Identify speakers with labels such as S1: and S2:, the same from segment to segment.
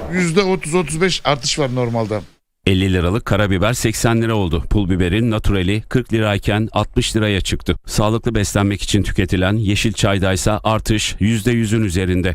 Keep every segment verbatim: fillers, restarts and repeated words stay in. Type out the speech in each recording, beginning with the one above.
S1: yüzde otuz otuz beş artış var normalde.
S2: elli liralık karabiber seksen lira oldu. Pul biberin naturali kırk lirayken altmış liraya çıktı. Sağlıklı beslenmek için tüketilen yeşil çaydaysa artış yüzde yüzün üzerinde.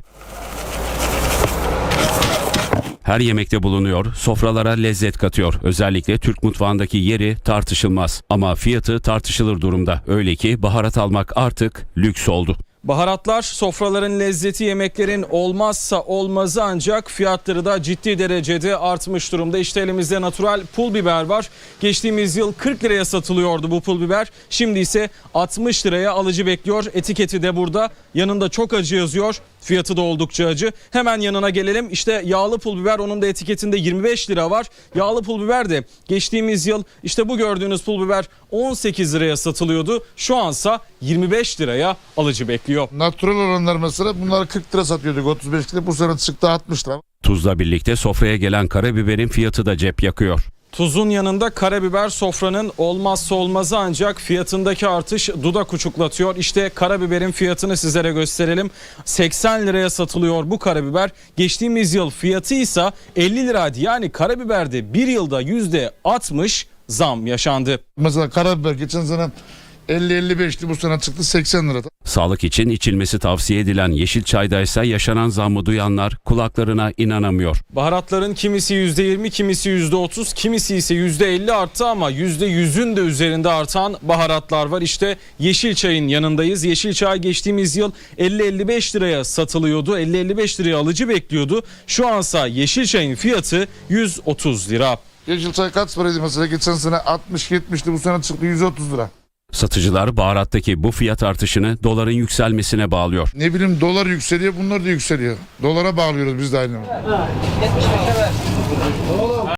S2: Her yemekte bulunuyor, sofralara lezzet katıyor. Özellikle Türk mutfağındaki yeri tartışılmaz. Ama fiyatı tartışılır durumda. Öyle ki baharat almak artık lüks oldu.
S3: Baharatlar sofraların lezzeti, yemeklerin olmazsa olmazı, ancak fiyatları da ciddi derecede artmış durumda. İşte elimizde natural pul biber var. Geçtiğimiz yıl kırk liraya satılıyordu bu pul biber. Şimdi ise altmış liraya alıcı bekliyor. Etiketi de burada. Yanında çok acı yazıyor. Fiyatı da oldukça acı. Hemen yanına gelelim. İşte yağlı pul biber, onun da etiketinde yirmi beş lira var. Yağlı pul biber de geçtiğimiz yıl işte bu gördüğünüz pul biber on sekiz liraya satılıyordu. Şu ansa yirmi beş liraya alıcı bekliyor.
S1: Natural olanlar mesela bunları kırk lira satıyorduk, otuz beş lira, bu sene çıktı altmış lira.
S2: Tuzla birlikte sofraya gelen karabiberin fiyatı da cep yakıyor.
S3: Tuzun yanında karabiber sofranın olmazsa olmazı, ancak fiyatındaki artış dudak uçuklatıyor. İşte karabiberin fiyatını sizlere gösterelim. seksen liraya satılıyor bu karabiber. Geçtiğimiz yıl fiyatı ise elli liraydı. Yani karabiberde bir yılda yüzde altmış zam yaşandı.
S1: Mesela karabiber geçen sene elli elli beşti, bu sene çıktı seksen lira.
S2: Sağlık için içilmesi tavsiye edilen yeşil çaydaysa yaşanan zammı duyanlar kulaklarına inanamıyor.
S3: Baharatların kimisi yüzde yirmi, kimisi yüzde otuz, kimisi ise yüzde elli arttı ama yüzde yüzün de üzerinde artan baharatlar var. İşte yeşil çayın yanındayız. Yeşil çay geçtiğimiz yıl elli elli beş liraya satılıyordu. elli elli beş liraya alıcı bekliyordu. Şu ansa yeşil çayın fiyatı yüz otuz lira.
S1: Yeşil çay kaç paraydı mesela, geçen sene altmış yetmişti, bu sene çıktı yüz otuz lira.
S2: Satıcılar baharattaki bu fiyat artışını doların yükselmesine bağlıyor.
S1: Ne bileyim, dolar yükseliyor, bunlar da yükseliyor. Dolara bağlıyoruz biz de aynı.